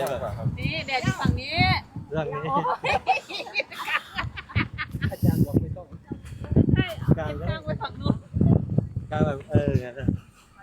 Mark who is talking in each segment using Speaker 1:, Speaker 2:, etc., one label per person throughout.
Speaker 1: เลยแบบ
Speaker 2: นี่แดดอยู่ฝั่งนี้
Speaker 1: เรื่องนี้
Speaker 3: อาจารย์บอกไม่ต้อง
Speaker 2: ใช่เอาเก็บกลางไว้ฝั่งนู้น
Speaker 1: การแบบงั้นนะ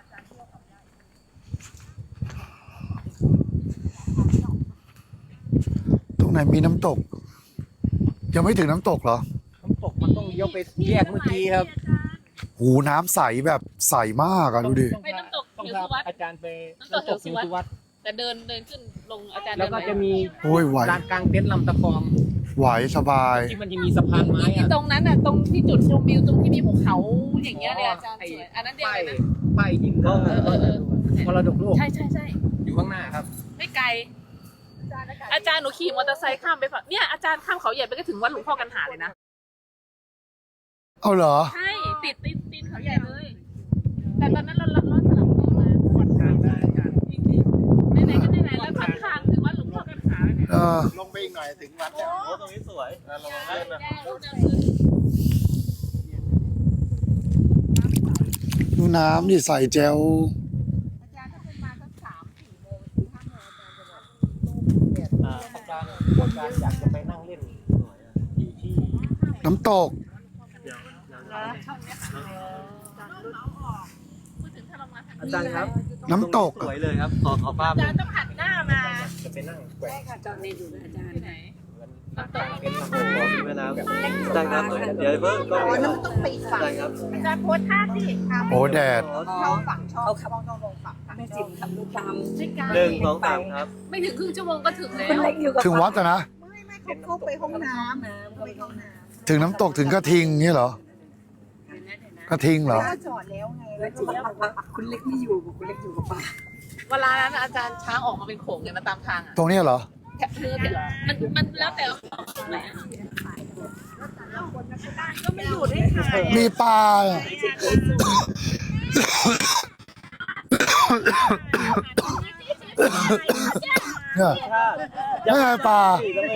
Speaker 4: ตรงไหนมีน้ำตก ยังไม่ถึงน้ำตกเหรอ
Speaker 3: น้ำตกมันต้องเลี้ยวไปแยกเมื่อกี้ครับ
Speaker 4: หูน้ำใสแบบใสมากอะดูดิ
Speaker 2: ไปน้ำตก
Speaker 3: ต้อง
Speaker 2: เขียว
Speaker 3: พา
Speaker 2: สุวัสดิ์
Speaker 3: อาจารย์ไป
Speaker 2: น้ำตกเขียวสุวัสดิ์
Speaker 3: ดิ์
Speaker 2: แต่เดินขึ้นลงอาจารย์
Speaker 3: แล้วก็จะมี
Speaker 4: โอ้ยไหว
Speaker 3: ลานกลางเต็นท์ลำตะคอง
Speaker 4: ไหวสบาย
Speaker 3: ที่มันจะมีสะพานไม้
Speaker 2: ที่
Speaker 3: อะ
Speaker 2: ตรงนั้นน่ะตรงที่จุดชมวิวตรงที่มีภูเขาอย่างเงี้ยเลยอาจารย์สวยอันนั้นเดียว
Speaker 3: ป้าย
Speaker 2: เลยนะ
Speaker 3: ป้ายยิงก็มรดกโลก
Speaker 2: ใช่
Speaker 3: อยู่ข้างหน้าครับ
Speaker 2: ไม่ไกลอาจารย์หนูขี่มอเตอร์ไซค์ข้ามไปฝั่งเนี่ยอาจารย์ข้ามเขาใหญ่ไปก็ถึงวัดหลวงพ่อกันหาเลยนะ
Speaker 4: เอาเหรอ
Speaker 2: ใช่ติดเขาใหญ่เลย แต่ตอนนั้นเราสลับเมืองมาจริงๆไหนๆก็ไหนๆแล้วข้างๆถึงวัดหลวงพ่อกันหาเนี่ย
Speaker 4: เออ
Speaker 1: ลงไปอีกหน่อยถึงวัดแล้วโอ้ตรงนี้สวยลงเล่นนะ
Speaker 4: ดูน้ำนี่ใสแจ๋ว
Speaker 3: อาจารย์อยากจะไปนั่งเล่นอยู่ที่
Speaker 4: น้ำตก
Speaker 3: อาจารย์ครับ
Speaker 4: น้ำตก
Speaker 1: สวยเลยครับขอภาพ
Speaker 2: อาจารย์ต้องหันหน้ามา
Speaker 3: จะไปนั่งแกว่ง
Speaker 2: ที่ไหน
Speaker 3: ลานกลางเต็นท์ลำตะค
Speaker 1: ข
Speaker 3: อ
Speaker 1: อง มีแม่น้ำได้ครับเดี๋ยวเพิ่งก็
Speaker 5: อ๋อนั่นมันต้องไปอีกฝั่ง
Speaker 1: ได้ครับ
Speaker 2: อาจารย์โพสท่าสิ
Speaker 4: โอ้แดด
Speaker 5: เขาฝั่งช่องเขาต้องลงฝั่งแม่จิ๋มทำลูกตาม
Speaker 2: ไม่ไกล
Speaker 1: 1 2 3ครับ
Speaker 2: ไม่ถึงครึ่งชั่วโมงก็ถึงแล้ว
Speaker 5: เล็กอยู่กับ
Speaker 4: ถึงวัดอะนะ
Speaker 5: ไม่เขาเข้าไปห้องน้ำเขาไปห้องน้ำ
Speaker 4: ถึงน้ำตกถึงกระทิงนี่เหรอ กระทิงเหรอ
Speaker 5: ก็จอดแล้วไงแล้วจิ๋มบอกว่าคุณเล็กไม่อยู่คุณเล็กอยู่กับป้า
Speaker 2: เวลานั้นอาจารย์ช้างออกมาเป็นโขงเลยนะตามทางอ่ะ
Speaker 4: ตรงนี้เหรอ
Speaker 2: แค่คือมันแล้วแต่ไหนก็ไม่อยู่ได้ค่ะ
Speaker 4: มีปลาเนี่ยไม่ใช่ปลา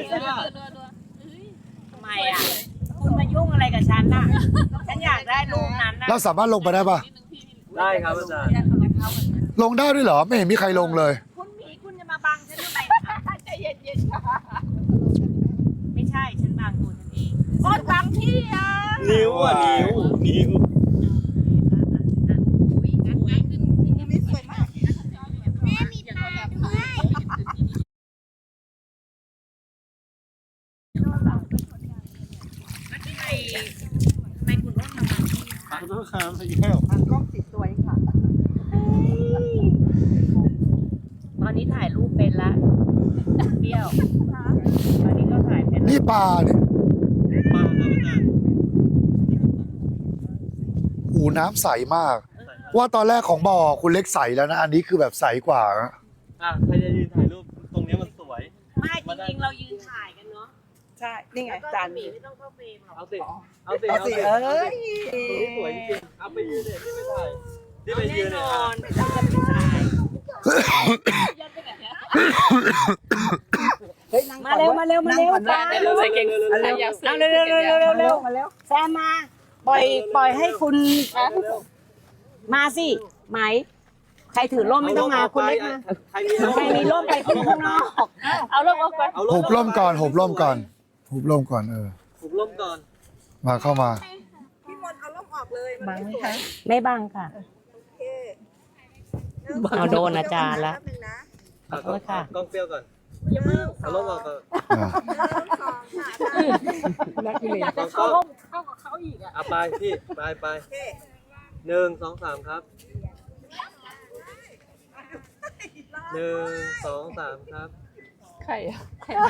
Speaker 6: ทำไมอ่ะ คุณมายุ่งอะไรกับฉันน่ะ ฉันอยากได้รูปนั้นน่ะ
Speaker 4: เราสามารถลงไปได้ปะ
Speaker 1: ได้ครับอาจารย์
Speaker 4: ลงได้ด้วยเหรอ ไม่เห็นมีใครลงเลย
Speaker 6: คุณหมีคุณจะมาบังฉันทำไมคะ
Speaker 2: ใจเย็นๆค่ะ
Speaker 6: ไม่ใช่ ฉันบังตัวฉันเองโคตรบังพี่อ่ะ
Speaker 1: นิ้วนิ้ว
Speaker 5: ไม่สวยมาก
Speaker 6: ทำไมคุณต้องมาบังพี่
Speaker 1: ขอโทษครับอีกแล้ว
Speaker 5: กล้องติดตัวเองค่ะ
Speaker 6: ตอนนี้ถ่ายรูปเป็นละเปรี้ยว ตอนนี้ก็ถ่ายเป็นละ
Speaker 4: นี่ปลาเนี่ย
Speaker 1: ป้าครับอาจารย์
Speaker 4: หูน้ำใสมาก ว่าตอนแรกของบ่อคุณเล็กใสแล้วนะ อันนี้คือแบบใสกว่านะ
Speaker 1: ใครจะยืนถ่ายรูปตรงนี้มันสวย
Speaker 6: ไม่จริงๆเรายืนถ่ายกันเนาะ
Speaker 5: ใช่นี่ไง
Speaker 6: แล้วก็
Speaker 5: จาน
Speaker 6: หมี
Speaker 5: นี้
Speaker 6: ไม่ต้องเข้าเฟรมหรอก
Speaker 1: เอาสิ
Speaker 5: เอาสิเอ้ย
Speaker 1: สวยจริงเอาไปยืนเนี่ยที่ไม่ถ่ายที่ไป
Speaker 6: แน่
Speaker 1: ยืน
Speaker 6: น
Speaker 1: เนี่ย
Speaker 6: อนไม่ต้องกันไปถ่าย
Speaker 2: ยันไปไหนเนี่ย
Speaker 5: เฮ้ยนั่ง
Speaker 6: มาเร็วมาเร็วมาเร็ว
Speaker 5: นั่งก่อน
Speaker 2: เดี๋ยวเราใส่เก่งอยากซื้
Speaker 6: เอาเร็วเร็วเร็วเร็วเร็วเร็ว
Speaker 5: มาแล้ว
Speaker 6: แซมมา ปล่อยให้คุณมาสิไหม ใครถือร่มไม่ต้องมาคุณเล็กมา
Speaker 1: ใครมี
Speaker 6: ใครมีร่มไปขึ้นข้างนอก
Speaker 2: เอาเริ่มออกก่อน
Speaker 4: หุบร่มก่อนหุบร่มก่อนหุบร่มก่อน
Speaker 1: ผมล้มก่อน
Speaker 4: มาเข้ามา
Speaker 5: พี่มนต์เอาล่มออกเลยมันไม่สวย
Speaker 6: ไม่บังค่ะ
Speaker 5: โอเค
Speaker 6: เอาโดนอาจารย์ละ
Speaker 5: แป๊บนึงนะ
Speaker 6: ขอโทษค่ะ
Speaker 1: กล้องเปรี้ยวก่อน
Speaker 5: อย่าเพิ่ง
Speaker 1: เอาล้มออกก่อน
Speaker 4: อ่า
Speaker 5: นักเรียน
Speaker 1: กล้อง
Speaker 2: เข้ากับเขาอีกอ่ะ
Speaker 1: เอาไปพี่ไป
Speaker 5: โอเค
Speaker 1: 1 2 3ครับ1 2 3ครับ
Speaker 2: ใครอ่ะใครมา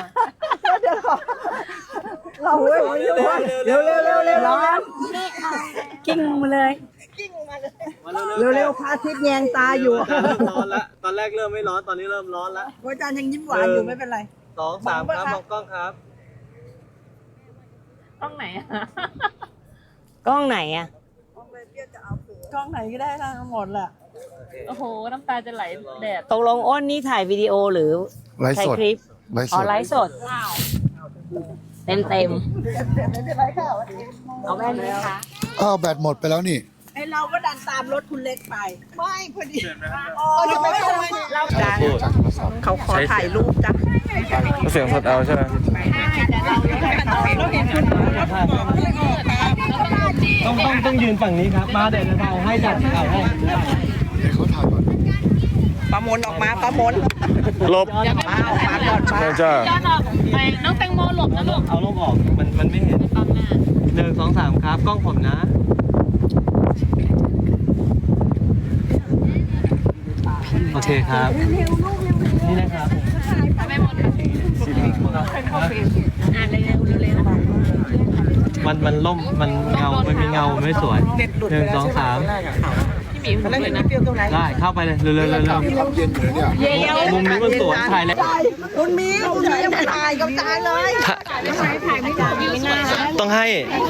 Speaker 5: เราเร็วเร็วเร็วเร็วเร็วร้อน
Speaker 6: กิ้งมาเลย
Speaker 5: กิ้งมาเลย
Speaker 1: มา
Speaker 5: เร็วเร็วพระอาทิตย์แยงตาอยู่
Speaker 1: อาจารย์เริ่มร้อนแล้วตอนแรกเริ่มไม่ร้อนตอนนี้เริ่มร้อนแล้ว
Speaker 5: อาจารย์ยังยิ้มหวานอยู่ไม่เป็นไร
Speaker 1: 2 3ครับมองกล้องครับ
Speaker 2: ต้องไหนอ่ะ
Speaker 6: กล้องไหนอ่ะ
Speaker 5: กล้องไหนก็ได้ทั้งหมดแหละ
Speaker 2: โอ้โหน้ำตาจะไหลแดด
Speaker 6: ตกลงอ้นนี่ถ่ายวิดีโอหรือ
Speaker 4: ไลฟ์
Speaker 6: ถ่าย
Speaker 4: สด
Speaker 6: คลิป
Speaker 4: ไลฟ์
Speaker 6: อ๋
Speaker 4: ส
Speaker 6: อ
Speaker 4: ด
Speaker 6: ไลฟ์สด
Speaker 2: ว้าว
Speaker 6: เต็ม
Speaker 5: ไม่เป็นไรค่ะวันนี้
Speaker 6: เอาแว่นไหมคะ
Speaker 4: อ้าวแบตหมดไปแล้วนี่
Speaker 5: ไอเราก็ดันตามรถคุณเล็กไป ไม่พอดี
Speaker 1: จะไม่ทำไม
Speaker 5: เราจ้าเขาขอถ่ายรูปจ้ะ
Speaker 1: เสียงสดเอาใช่ไหม
Speaker 3: ต้องยืนฝั่งนี้ครับมาเดี๋ยวจะถ่ายให้จัดถ่ายให้
Speaker 4: เขาถ่ายก่อน
Speaker 5: ประมนออกมาประมน
Speaker 1: ลบ
Speaker 5: มาออกมาก่อนมา
Speaker 1: ใช่จ้า
Speaker 2: ย้อนออกไปน้องแตงโมหลบนะลูก
Speaker 3: เอาลมออกมันไม่เห็น
Speaker 2: บังหน้า
Speaker 3: 1 2 3ครับกล้องผมนะโอเคครับนี่นะครับ
Speaker 2: ไม่หมดอ่านเร็วๆเร็ว
Speaker 3: มันล่มมันเงามันมีเงาไม่สวย1 2 3
Speaker 2: ๆพี่หมีผมเลยนะ
Speaker 3: ได้เข้าไปเลยเร็วๆ
Speaker 4: เย็นอยู่เนี่ย
Speaker 3: มุมนี้มันสวยถ่ายแล้ว
Speaker 5: คุณมิวคุณมิวถ่ายกับจานเลย
Speaker 3: ต้องให้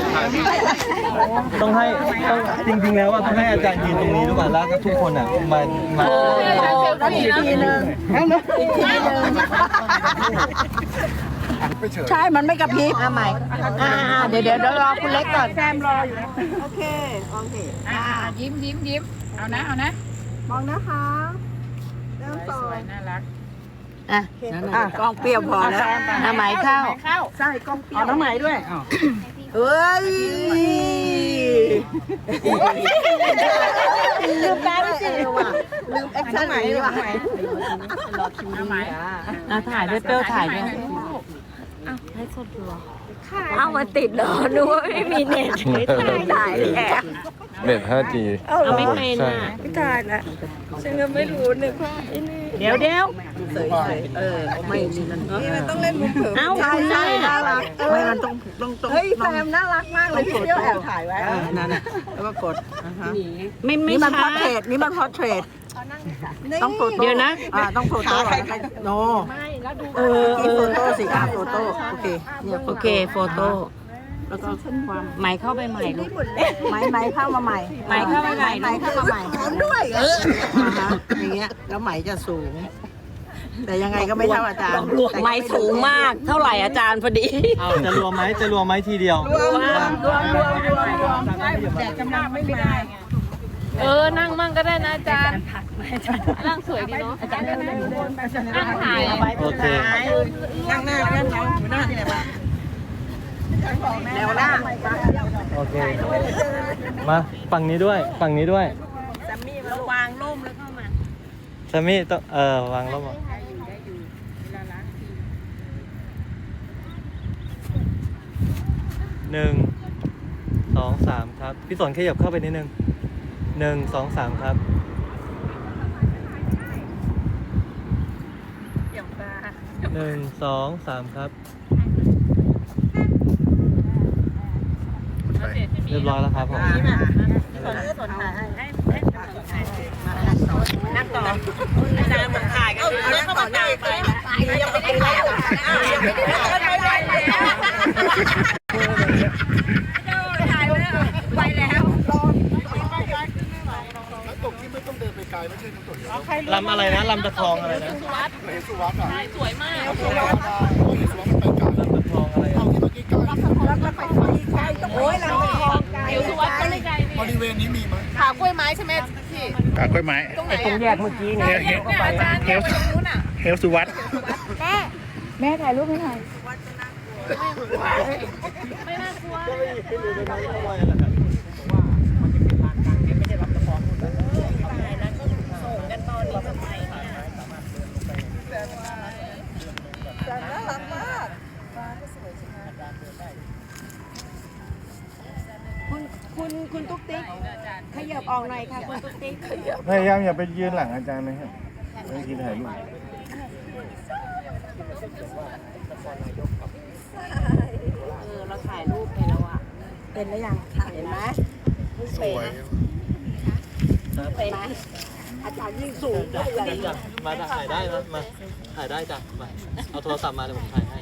Speaker 3: ต้องจริงๆแล้วว่าต้องให้อาจารย์ยืนตรงนี้ด้วยแล้วก็ทุกคนอ่ะมา
Speaker 2: แล้วอีกทีนึง
Speaker 5: ใช่มันไม่กระพริบ
Speaker 6: ใหม่เดี๋ยวรอคุณเล็กก่อน
Speaker 5: แซมรออยู่นะโอเค
Speaker 2: ยิ้มเอานะ
Speaker 5: มองนะคะเริ่มต่อ
Speaker 6: อ่ะ
Speaker 5: กล้องเปรี้ยวพอแล้ว
Speaker 6: ใหม่เข้า
Speaker 5: ใช่กล้องเปรี้ยวน้ำไหมด้วยเฮ้ยลืมแป๊บสิลืมแอคชั่นไหนว่ะ
Speaker 6: ถ่ายด้วยเปรี้ยวถ่ายด้วย
Speaker 7: เอามาติดเหรอนึกว่าไม่มีเน็ตถ่ายแอบ
Speaker 1: เน็ต 5G
Speaker 6: เอาไม่เป็นอ่ะ
Speaker 7: ไม่ถ่ายละฉันก็ไม่รู้นึกว่าไอ้นี่
Speaker 6: เดี๋ยว
Speaker 5: ไม่นี่มันต้องเล่นมุกเถอะ
Speaker 6: เอา
Speaker 5: ใช่
Speaker 6: คุณ
Speaker 5: ใช่
Speaker 6: แม่
Speaker 5: น่ารักไม่มันต้องเฮ้ยแซมน่ารักมากเลยพี่เที่ยวแอบถ่ายไว้นั่นน่ะแล้วก็กด
Speaker 6: ไม่
Speaker 5: นี่มันพอ
Speaker 6: ใช่
Speaker 5: เทรดนี่มันพอเทรดต้องโฟโต้
Speaker 6: เดี๋ยวนะ
Speaker 5: ต้องโฟโต้โนที่โฟโต้สิโฟโต้โอเคเนี่ย
Speaker 6: โอเคโฟโต้แล้วก็ใหม่เข้าไปใหม่ลูก
Speaker 5: ไม้เข้ามาใหม่
Speaker 6: ไหมเข้ามาใหม่
Speaker 5: ไม้เข้ามาใหม่ด้วยอย่างเงี้ยแล้วไหมจะสูง แต่ยังไงก็ไม่เท่าอาจารย์
Speaker 6: ไหมสูงมากเท่าไหร่อาจารย์พอดี
Speaker 3: เอาจะรวมไหมทีเดียว
Speaker 5: รวมแต่กำลังไม่ได้
Speaker 2: นั่งมั่งก็ได้นะอาจารย์นั่งสวยดีเนาะอาจารย์นั่งถ่าย
Speaker 3: โอเค
Speaker 5: นั่งหน้าหน้าที่ไหนบ้างแนวหน้า
Speaker 3: โอเคมาฝั่งนี้ด้วย
Speaker 6: วางร่มแล้วเข้ามา
Speaker 3: แซมมี่ต้องวางร่ม1 2 3ครับพี่สนขยับเข้าไปนิดนึง1 2 3ครับ1 2 3ครับเรียบร้อยแล้วครับผม
Speaker 6: นั่งต่ออาจารย์บอกถ่ายกันแล้วเข้ามาถ่ายไปยังไม่ได้ถ่ายไปแล้ว
Speaker 4: น้ำตกที่ไม่ต้องเดินไปไกลไม่ใช่น้ำตก
Speaker 3: ลำอะไรนะลำตะคองอะไรนะ
Speaker 4: เฮสุวัตอ่ะ
Speaker 2: สวยมาก
Speaker 4: เฮสุวัตมันไปไกล
Speaker 3: ลำตะคองอะไร
Speaker 4: เอาที่เมื่อกี้ไกล
Speaker 5: โอ้ยเราไปคลองไกล
Speaker 2: เดี๋ยวสุวัสดิ์ก็เลยไกล
Speaker 4: บริเวณนี้มีไหม
Speaker 2: ขากล้วยไม้ใช่ไหมพี่
Speaker 8: กากล้วยไม้
Speaker 2: ตรงไหน
Speaker 6: ตรงแยกเมื่อกี้
Speaker 2: เนี่ยอาจารย์เนี่ยไปตรงนู้นอ่ะ
Speaker 8: เฮลสุวัต
Speaker 7: แม่ถ่ายรูปให้หน่อย
Speaker 2: ไม่น่ากลัว
Speaker 6: คุณตุ๊กติ๊กขยับออกหน่อยค่ะคุณตุ๊กติ๊ก
Speaker 8: พยายามอย่าไปยืนหลังอาจารย์นะครับไม่กินถ่ายรูป
Speaker 6: เราถ่ายรูปไปแล้วอ่ะ
Speaker 5: เป็นแล้วยังถ่ายเห็นไหม
Speaker 4: สวย
Speaker 6: เป็นไหม
Speaker 5: อาจารย์ยิ่งสูง
Speaker 3: จ้ะมาถ่ายได้นะมาถ่ายได้จ้ะมาเอาโทรศัพท์มาเดี๋ยวผมถ่ายให้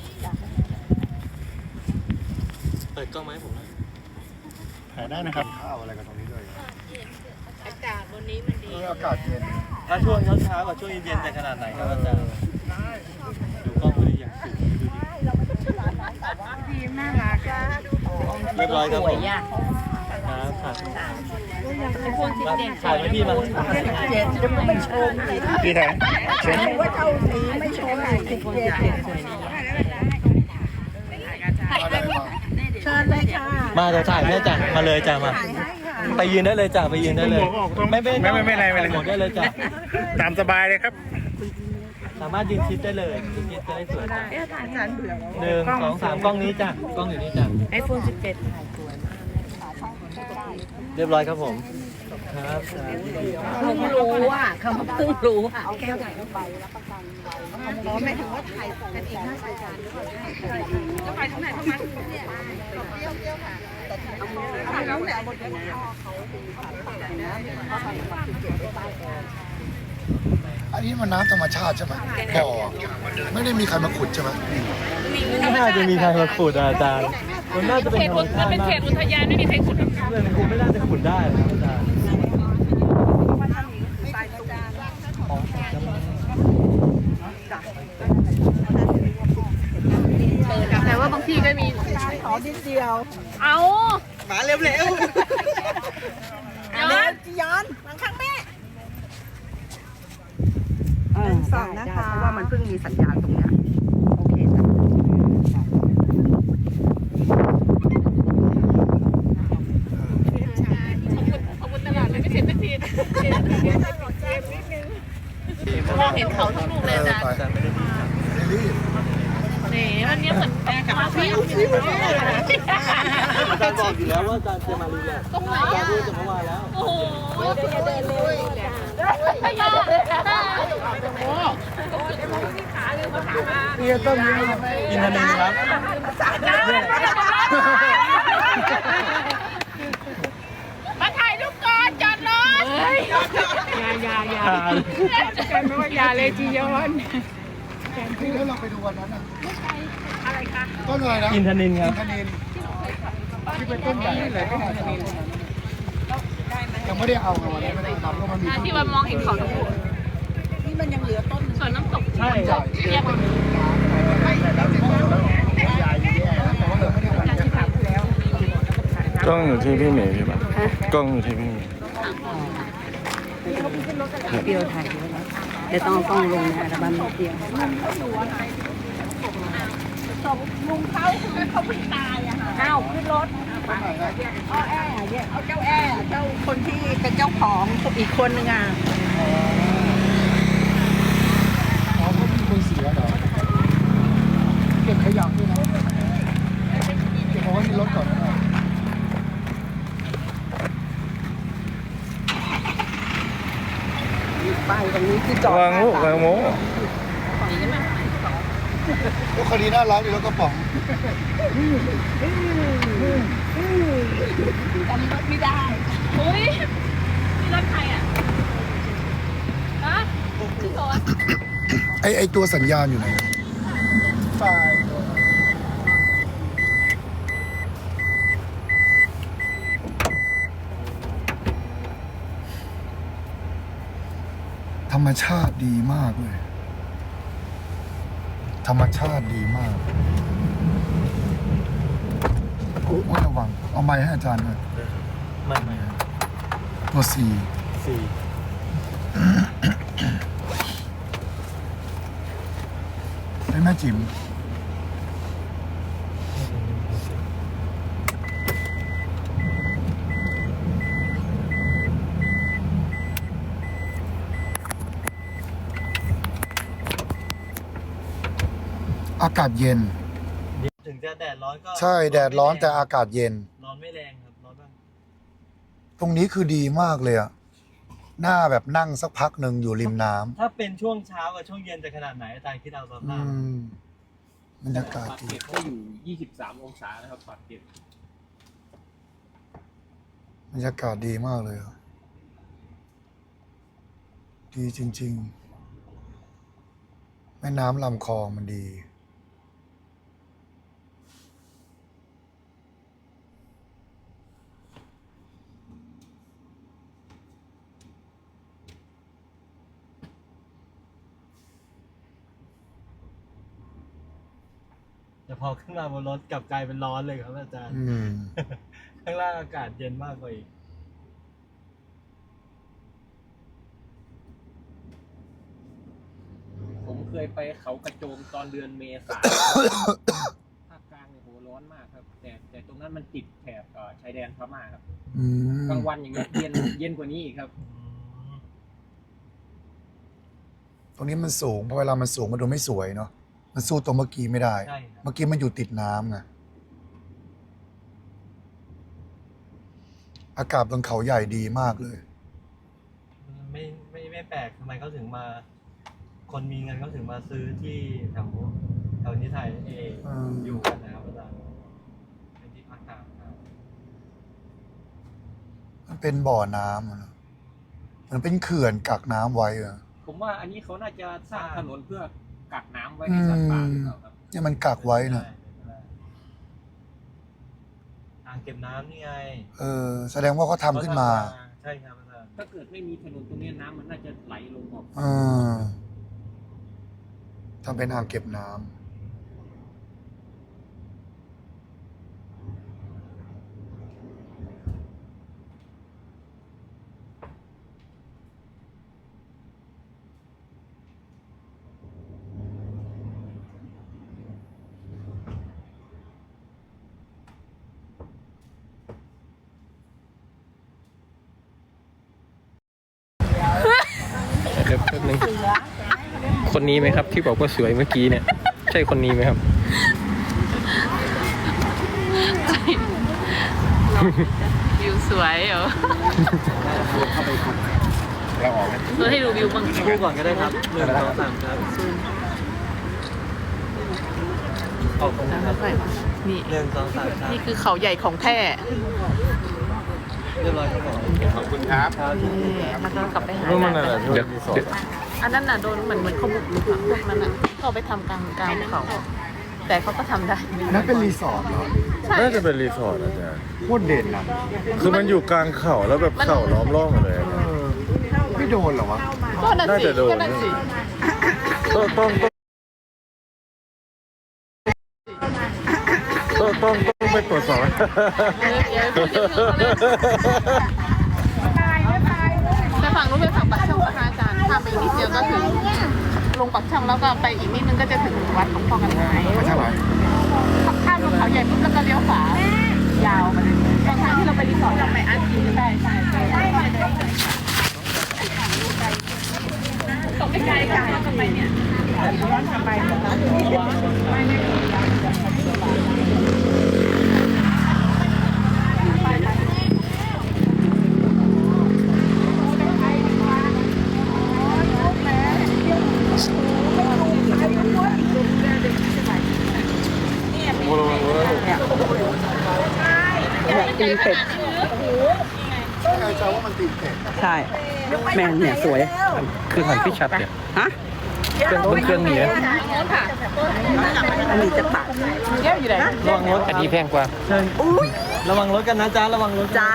Speaker 3: เปิดกล้องไหมผม
Speaker 8: ถ่ายได้นะครับ
Speaker 4: ข้าวอะไรกันตรงนี้เลย
Speaker 6: อากาศวันนี้มันดี
Speaker 4: อากาศเย็น
Speaker 3: ถ้าช่วงเช้ากับช่วงเย็นๆจะขนาดไหนครับอาจารย์ดูกล้องเลยอย่างสูงดูดิ
Speaker 7: น่ารัก
Speaker 3: เรียบร้อยครับผม
Speaker 6: สวยอ่ะ
Speaker 3: ครับถ่ายไว้พี่มา
Speaker 5: เจ็ดจะไม่โชว์อีก
Speaker 8: พี่ถ่ายเชิญ
Speaker 5: ว่าเท่านี้ไม่โชว์อีก17เชิญเลยค่ะ
Speaker 3: มาจะถ่ายแม่จ้ะมาเลยจ้ะมา
Speaker 5: ถ่ายให้ค่ะ
Speaker 3: ไปยืนได้เลยจ้ะไปยืนได้เลย ไม่เป็น
Speaker 8: ไม่ไร
Speaker 3: หมดได้เลยจ้ะ
Speaker 8: ตามสบายเลยครับ
Speaker 3: สามารถยืนชิดได้เลยยืนชิดจะได้สวยจ้ะ
Speaker 5: อาจารย์เบื่อแล้ว
Speaker 3: 1 2 3กล้องนี้จ้ะกล้องอยู่นี่จ้ะ
Speaker 6: iPhone 17
Speaker 3: เรียบร้อยครับผมครับ
Speaker 6: เพิ่งรู้อ่ะเขาเพิ่งรู้อ่ะ
Speaker 5: อ๋อหมายถึงว่าถ่ายกันเองน่าใส่จานก็ไปทางไหนเข้ามาแล้วแหละบนนี้
Speaker 4: อันนี้มันน้ำธรรมชาติใช่ไหมบ่อไม่ได้มีใครมาขุดใช่ไหม
Speaker 3: ไม่น่าจะมีใครมาขุดอาจารย์มันน่าจะเป็นธรรมชาติ
Speaker 2: เป็น
Speaker 3: มา
Speaker 2: เข
Speaker 3: ก
Speaker 2: ตอุทยานไม่มีใครขุด
Speaker 3: เพื่อนคุณไม่น่าจะขุดได้นะอาจารย์
Speaker 2: แต่ว่าบางทีก็มี
Speaker 5: ขอนิดเดียว
Speaker 2: เอา
Speaker 5: มาเร็วๆย้อนหลังข้างแม่สองนะคะเพราะว่ามันเพิ่งมีสัญญาณตรงเนี้ยโอเคจ้ะ
Speaker 2: ขอบคุณตลาดเลยไม่เสร็จสักทีมองเห็นเขาทั้งลูกเลยอาจารย์
Speaker 3: อาจารย์ไม่ได้ดีครับ
Speaker 4: รีบ
Speaker 2: นี่วันนี้เหมือนแปลกับพี่
Speaker 3: อาจารย์บอกอยู่แล้วว่าอาจารย์จะมารีแลกซ์อาจารย์พูดจะเมื่อวานแล้ว
Speaker 2: โอ้โหไม่ยอมโอ้
Speaker 8: พี่ต้มยัง
Speaker 3: กินทันทีครับ
Speaker 2: มาถ่ายรูปก่อนจอดรถอย่ากันไม่ว่าอย่าเลยจียอน
Speaker 4: นี่แล้วเราไปดูวันนั้นอ่ะอะไรคะต้นอะไรนะ
Speaker 3: กินทันทีครับ
Speaker 4: คานินที่เป็นต้นใหญ่เลยก็คานินยังไม่ได้เอาไงวันนั้นไม่ได้ทำเพราะมันมี
Speaker 2: ที่ว่ามองเห็นเขาทั้งลูก
Speaker 5: นี่มันยังเหลือต้น
Speaker 2: ส่วนน้ำตก
Speaker 3: ใช่
Speaker 4: ใหญ่
Speaker 2: เรียกว่า
Speaker 8: กล้องอยู่ที่พี่เมย์ใช่ปะกล้องอยู่ที่พี่เมย์
Speaker 6: เดียวถ่ายด้วยนะเดี๋ยวต้องเอากล้องลงในอัลบั้มเดียว
Speaker 5: ลุงเขาคือเขาเพิ่งตายอะค่ะอ้าวขึ้นรถเอาแอร์เนี่ยเอาเจ้าแอร์เจ้าคนที่เป็นเจ้าของอีกคนนึงอ่ะ
Speaker 4: อ๋อเขามีคนเสียเหรอเก็บขยะด้วยนะเก็บเอาไว้ในรถก่อนนะ
Speaker 5: ไปตรงนี้ที่จอด
Speaker 8: วางลูกวางโม
Speaker 4: รถคันนี้น่ารักดีรถกระป๋อง
Speaker 5: จำรถไม่ได้
Speaker 2: เฮ้ยนี่รถใครอ่ะฮะพี่โสด
Speaker 4: ไอตัวสัญญาณอยู่ไหนฝ่ายธรรมชาติดีมากเลย ธรรมชาติดีมากโอ้ยระวัง เอาไม้ให้อาจารย์ด้วย
Speaker 3: ไม่
Speaker 4: ตัวสี่
Speaker 3: สี่
Speaker 4: ให้แม่จิ๋มอากาศเย็น
Speaker 3: ถึงจะแดดร้อนก็
Speaker 4: ใช่แดดร้อนแต่อากาศเย็น
Speaker 3: ร้อนไม่แรงครับร้อนบ้าง
Speaker 4: ตรงนี้คือดีมากเลยอะหน้าแบบนั่งสักพักหนึ่งอยู่ริมน้ำ
Speaker 3: ถ้าเป็นช่วงเช้ากับช่วงเย็นจะขนาดไหนอาจารย์คิดเอาสภาพ
Speaker 4: บรรยากาศดี
Speaker 1: เก็บก็อยู่23 องศานะครับปากเก็บบ
Speaker 4: รรยากาศดีมากเลยอะดีจริงๆ แม่น้ำลำคลองมันดี
Speaker 3: แต่พอขึ้นมาบนรถกลับกลายเป็นร้อนเลยครับอาจารย์
Speaker 4: อืม
Speaker 3: ข้างล่างอากาศเย็นมากกว่าอีก
Speaker 1: เคยไปเขากระโจมตอนเดือนเมษา ภาคกลางเนี่ยโหร้อนมากครับแต่ตรงนั้นมันติดแถบชายแดนพม่าครับกลางวันอย่างเงี้ยเย็นกว่านี้อีกครับ
Speaker 4: ตรงนี้มันสูงเพราะเวลามันสูงมันดูไม่สวยเนาะมันสู้ตัวเมื่อกี้ไม่ได้
Speaker 3: ใช่ครับ
Speaker 4: เมื่อกี้มันอยู่ติดน้ำไงอากาศบนเขาใหญ่ดีมากเลย
Speaker 3: ไม่แปลกทำไมเขาถึงมา คนมีเงินเขาถึงมาซื้อที่แถวนี้ไทยอยู่กันนะครับอาจารย์เป็นที่พักตากครับ
Speaker 4: มันเป็นบ่อน้ำอะเนอะมันเป็นเขื่อนกักน้ำไว้อะ
Speaker 1: ผมว่าอันนี้เขาน่าจะสร้างถนนเพื่อกักน้ำไว้ให้สัตว์ป่าหรือเปล่าครับ
Speaker 4: เนี่ยมันกักไว้นะ
Speaker 3: อ่างเก็บน้ำนี่ไง
Speaker 4: แสดงว่าเขาทำขึ้นมา
Speaker 3: ใช่ครับอาจารย์
Speaker 1: ถ้าเกิดไม่มีถนนตรงนี้น้ำมันน่าจะไหลลงออก
Speaker 4: ทำเป็นอ่างเก็บน้ำ
Speaker 1: ครับแป๊บนึงคนนี้ไหมครับที่บอกว่าสวยเมื่อกี้เนี่ย ใช่คนนี้ไหมครับ
Speaker 2: วิวสวยเหรอเราให้ดูวิวบ้าง
Speaker 3: คู่ก่อนก็ได้ครับ1 2 3ครับขอบคุณครับ
Speaker 2: นี่
Speaker 3: 1 2 3ครับ
Speaker 5: นี่คือเขาใหญ่ของแท้
Speaker 3: เรียบร้อยครับผม
Speaker 8: ขอบคุณครับ
Speaker 5: มันต้องกลับไปหา
Speaker 1: เดี๋ยว
Speaker 5: อันนั้นน่ะโดนเหมือนเขาบุกรุกอะพวกนั้นน่ะเขาเอาไปทำกลางเขา แต่เขาก็ทำได้
Speaker 4: นั่นเป็นรีสอร์ทเหรอ
Speaker 8: น่าจะเป็นรีสอร์ทอาจารย์
Speaker 4: โคตรเด่นนะ
Speaker 8: คือมันอยู่กลางเขาแล้วแบบเขาล้อมรอบมาเลยอาจารย์
Speaker 4: ไม่โดนเหรอวะ
Speaker 5: ก็นั่น
Speaker 8: น่า
Speaker 5: สิ
Speaker 8: จะโดน
Speaker 5: ก็นั่นสิ
Speaker 8: ต้องไปตรวจสอบ
Speaker 5: แต่ฝั่งนู้นเป็นฝั่งปักช่องนะคะอาจารย์ข้ามไปอีกนิดเดียวก็ถึงลงปักช่องแล้วก็ไปอีกนิดนึงก็จะถึงวัดหลวงพ่อกันหาย
Speaker 4: ไม่ใช่ไหม
Speaker 5: ข้ามลงเขาใหญ่ปุ๊บแล้วก็เลี้ยวขวายาวมาเลยตอนทางที่เราไปรีสอร์ทเราไปอันกินใช่ตกไม่ไกลกันย้อนกลับไปเนี่ยย้อนกลับไปตีนเป็ด
Speaker 4: ใครจะว่ามันตีนเป็ด
Speaker 5: ใช่แมนเนี่ยสวย
Speaker 1: คือหันพี่ชัดเนี่ย
Speaker 5: ฮะ
Speaker 1: เครื่องนี้
Speaker 5: อันนี้จะปากเยอะอยู่ไหน
Speaker 3: ระวังรถ
Speaker 1: อันนี้แพงกว่า
Speaker 3: ระวังรถกันนะจ๊ะระวังรถ
Speaker 5: จ้า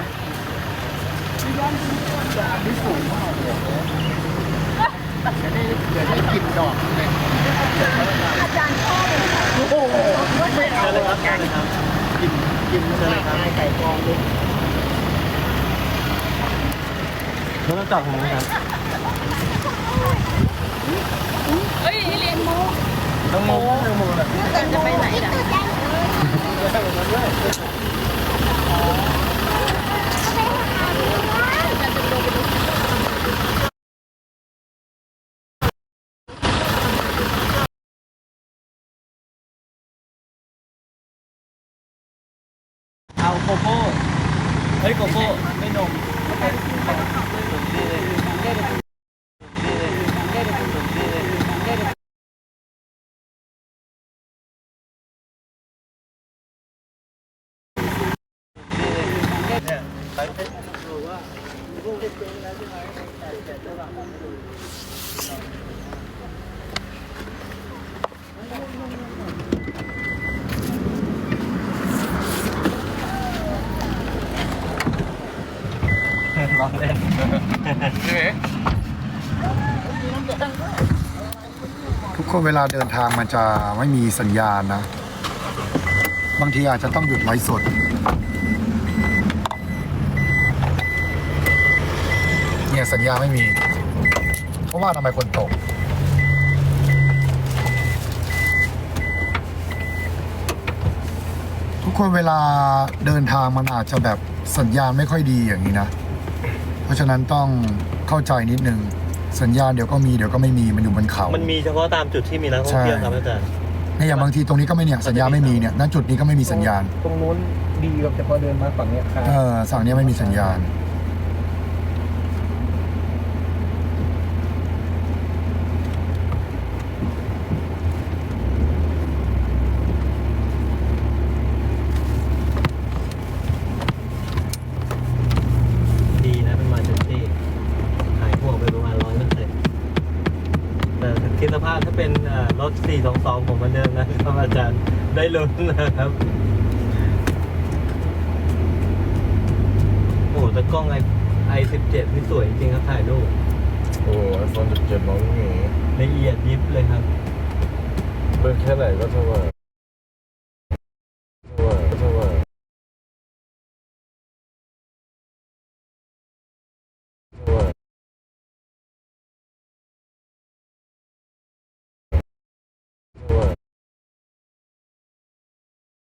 Speaker 4: กินดอกเลย
Speaker 3: เชิญเลยครับกินเชิญเลยครับไก่กองด้วยรถต้องจับผมนะครับ
Speaker 2: เฮ้ยเรียนโม
Speaker 3: ต้องโมนะ
Speaker 2: จะไปไหนล่ะ
Speaker 3: เอาโกโก้เฮ้ยโกโก้ไม่นมเนี่ยไปดูว่าลูกเจ๊งแล้วใช่ไหมแต่เจ้าหลังร้องเล่นใช่ไหม
Speaker 4: ทุกคนเวลาเดินทางมันจะไม่มีสัญญาณนะ บางทีอาจจะต้องหยุดไลฟ์สด เนี่ยสัญญาณไม่มี เพราะว่าทำไมคนตกคนเวลาเดินทางมันอาจจะแบบสัญญาณไม่ค่อยดีอย่างนี้นะ เพราะฉะนั้นต้องเข้าใจนิดนึงสัญญาณเดี๋ยวก็มีเดี๋ยวก็ไม่มีมันอยู่บนเขา
Speaker 3: มันมีเฉพาะตามจุดที่มีนักท่องเที่ยวครับอาจารย์
Speaker 4: เนี่ยอย่างบางทีตรงนี้ก็ไม่เนี่ยสัญญาณไม่มีเนี่ยณจุดนี้ก็ไม่มีสัญญาณ
Speaker 1: ตรงนู้นดีแบบแต่พอเดินมาฝั่งเนี้ยครับ
Speaker 4: ฝั่งนี้ไม่มีสัญญาณ
Speaker 3: ดีนะเป็นมาจุดที่หายห่วงไปประมาณ100%แต่คิดสภาพถ้าเป็นรถ 422 ผมเหมือนเดิมนะครับอาจารย์ได้ลุ้นนะครับโอ้แต่กล้องi17 นี่สวยจริงครับถ่ายรูป
Speaker 8: โอ้ไอโฟน17มองไม่เห็น
Speaker 3: ละเอียดยิบเลยครับ
Speaker 8: เบอร์แค่ไหนก็เท่าไหร่